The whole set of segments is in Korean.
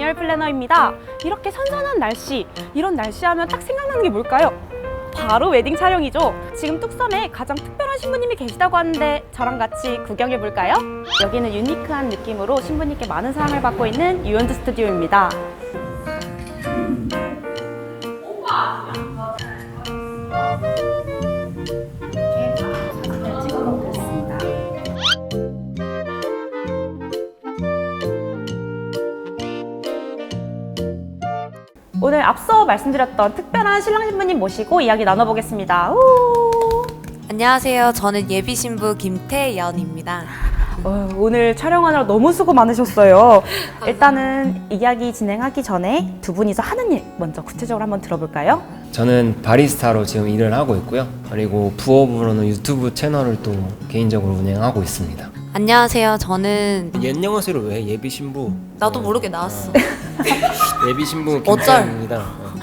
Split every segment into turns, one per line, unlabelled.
정열 플래너입니다. 이렇게 선선한 날씨, 이런 날씨 하면 딱 생각나는 게 뭘까요? 바로 웨딩 촬영이죠. 지금 뚝섬에 가장 특별한 신부님이 계시다고 하는데 저랑 같이 구경해 볼까요? 여기는 유니크한 느낌으로 신부님께 많은 사랑을 받고 있는 유연드 스튜디오입니다. 오늘 앞서 말씀드렸던 특별한 신랑 신부님 모시고 이야기 나눠보겠습니다.
안녕하세요. 저는 예비 신부 김태연입니다.
오늘 촬영하느라 너무 수고 많으셨어요. 일단은 이야기 진행하기 전에 두 분이서 하는 일 먼저 구체적으로 한번 들어볼까요?
저는 바리스타로 지금 일을 하고 있고요. 그리고 부업으로는 유튜브 채널을 또 개인적으로 운영하고 있습니다.
안녕하세요. 저는
옛영어세로 왜 예비 신부?
나도 모르게 나왔어.
예비 신부
어쩔.
김태현입니다.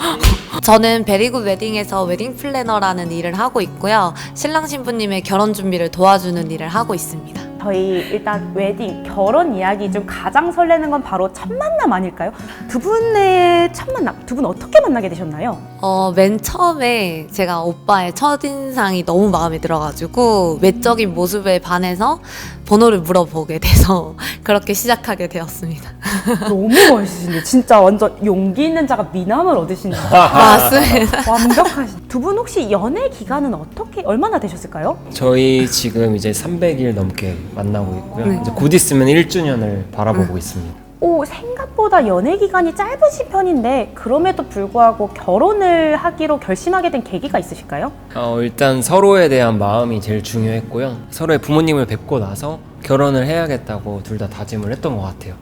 저는 베리굿 웨딩에서 웨딩 플래너라는 일을 하고 있고요. 신랑 신부님의 결혼 준비를 도와주는 일을 하고 있습니다.
저희 일단 웨딩, 결혼 이야기 중 가장 설레는 건 바로 첫 만남 아닐까요? 두 분의 첫 만남, 두 분 어떻게 만나게 되셨나요?
맨 처음에 제가 오빠의 첫인상이 너무 마음에 들어가지고 외적인 모습에 반해서 번호를 물어보게 돼서 그렇게 시작하게 되었습니다.
너무 멋있으신데 진짜 완전 용기 있는 자가 미남을 얻으시는
맞습니다.
완벽하신. 두 분 혹시 연애 기간은 얼마나 되셨을까요?
저희 지금 이제 300일 넘게 만나고 있고요.
네.
이제 곧 있으면 1주년을 바라보고 있습니다.
생각보다 연애 기간이 짧으신 편인데 그럼에도 불구하고 결혼을 하기로 결심하게 된 계기가 있으실까요?
일단 서로에 대한 마음이 제일 중요했고요. 서로의 부모님을 뵙고 나서 결혼을 해야겠다고 둘 다 다짐을 했던 것 같아요.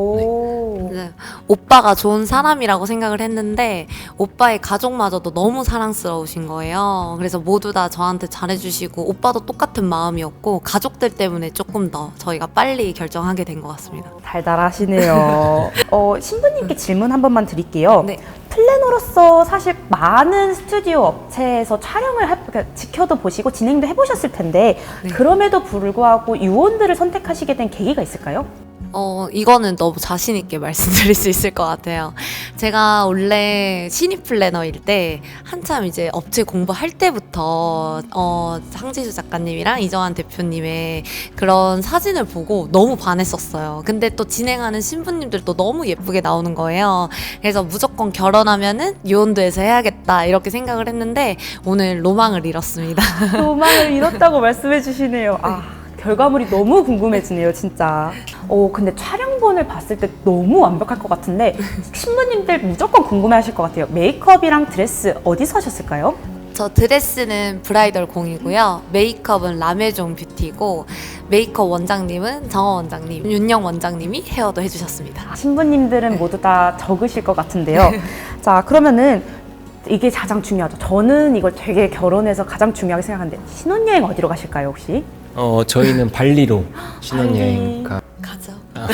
네. 오빠가 좋은 사람이라고 생각을 했는데 오빠의 가족마저도 너무 사랑스러우신 거예요. 그래서 모두 다 저한테 잘해주시고 오빠도 똑같은 마음이었고 가족들 때문에 조금 더 저희가 빨리 결정하게 된 것 같습니다.
달달하시네요. 신부님께 질문 한 번만 드릴게요.
네.
플래너로서 사실 많은 스튜디오 업체에서 그러니까 지켜도 보시고 진행도 해보셨을 텐데
네.
그럼에도 불구하고 유원들을 선택하시게 된 계기가 있을까요?
이거는 너무 자신있게 말씀드릴 수 있을 것 같아요. 제가 원래 신입 플래너일 때 한참 이제 업체 공부할 때부터 상지수 작가님이랑 이정환 대표님의 그런 사진을 보고 너무 반했었어요. 근데 또 진행하는 신부님들도 너무 예쁘게 나오는 거예요. 그래서 무조건 결혼하면은 유원도에서 해야겠다 이렇게 생각을 했는데 오늘 로망을 이뤘습니다.
로망을 이뤘다고 말씀해 주시네요. 결과물이 너무 궁금해지네요, 진짜. 근데 촬영본을 봤을 때 너무 완벽할 것 같은데 신부님들 무조건 궁금해하실 것 같아요. 메이크업이랑 드레스 어디서 하셨을까요?
저 드레스는 브라이덜 공이고요. 메이크업은 라메종 뷰티고 메이크업 원장님은 정원 원장님, 윤영 원장님이 헤어도 해주셨습니다.
신부님들은 모두 다 적으실 것 같은데요. 자, 그러면은 이게 가장 중요하죠. 저는 이걸 되게 결혼해서 가장 중요하게 생각하는데 신혼여행 어디로 가실까요, 혹시?
저희는 발리로 신혼여행
가죠.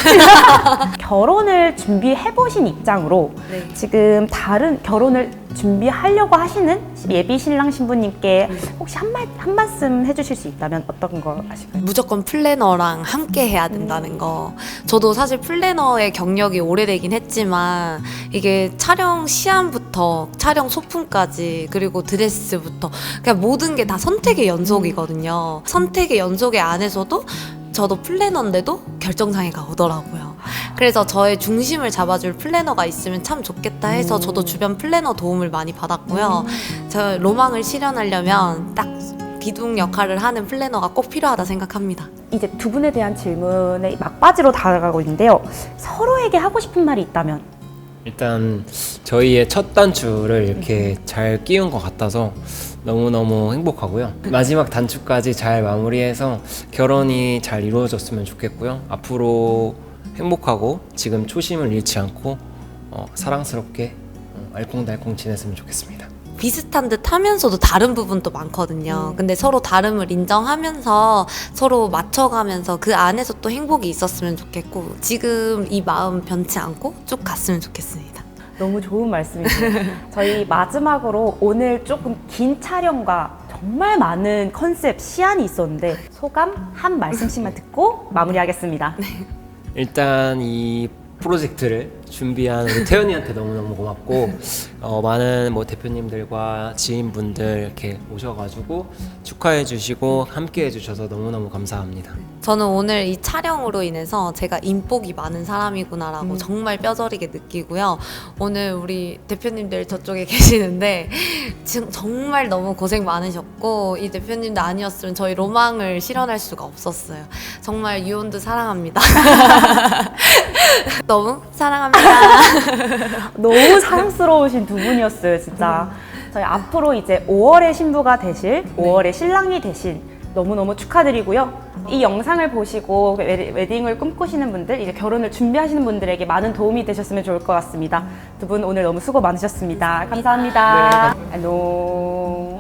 결혼을 준비해보신 입장으로
네.
지금 다른 결혼을 준비하려고 하시는 예비 신랑 신부님께 혹시 한 말씀 해주실 수 있다면 어떤 거 아실까요?
무조건 플래너랑 함께 해야 된다는 거. 저도 사실 플래너의 경력이 오래되긴 했지만 이게 촬영 시안부터 촬영 소품까지 그리고 드레스부터 그냥 모든 게 다 선택의 연속이거든요. 선택의 연속의 안에서도 저도 플래너인데도 결정장애가 오더라고요. 그래서 저의 중심을 잡아줄 플래너가 있으면 참 좋겠다 해서 저도 주변 플래너 도움을 많이 받았고요. 저 로망을 실현하려면 딱 기둥 역할을 하는 플래너가 꼭 필요하다 생각합니다.
이제 두 분에 대한 질문에 막바지로 다가가고 있는데요. 서로에게 하고 싶은 말이 있다면?
일단 저희의 첫 단추를 이렇게 잘 끼운 것 같아서 너무너무 행복하고요. 마지막 단추까지 잘 마무리해서 결혼이 잘 이루어졌으면 좋겠고요. 앞으로 행복하고 지금 초심을 잃지 않고 사랑스럽게 알콩달콩 지냈으면 좋겠습니다.
비슷한 듯 하면서도 다른 부분도 많거든요. 근데 서로 다름을 인정하면서 서로 맞춰가면서 그 안에서 또 행복이 있었으면 좋겠고 지금 이 마음 변치 않고 쭉 갔으면 좋겠습니다.
너무 좋은 말씀이세요. 저희 마지막으로 오늘 조금 긴 촬영과 정말 많은 컨셉, 시안이 있었는데 소감 한 말씀씩만 듣고 마무리하겠습니다.
일단 이 프로젝트를 준비한 우리 태연이한테 너무너무 고맙고 많은 뭐 대표님들과 지인분들 이렇게 오셔가지고 축하해 주시고 함께 해주셔서 너무너무 감사합니다.
저는 오늘 이 촬영으로 인해서 제가 인복이 많은 사람이구나라고 정말 뼈저리게 느끼고요. 오늘 우리 대표님들 저쪽에 계시는데 지금 정말 너무 고생 많으셨고 이 대표님들 아니었으면 저희 로망을 실현할 수가 없었어요. 정말 유온드 사랑합니다. 너무 사랑합니다.
너무 사랑스러우신 두 분이었어요, 진짜. 저희 앞으로 이제 5월의 신부가 되실, 5월의 신랑이 되신 너무너무 축하드리고요. 이 영상을 보시고 웨딩을 꿈꾸시는 분들, 이제 결혼을 준비하시는 분들에게 많은 도움이 되셨으면 좋을 것 같습니다. 두 분 오늘 너무 수고 많으셨습니다. 감사합니다. 안녕.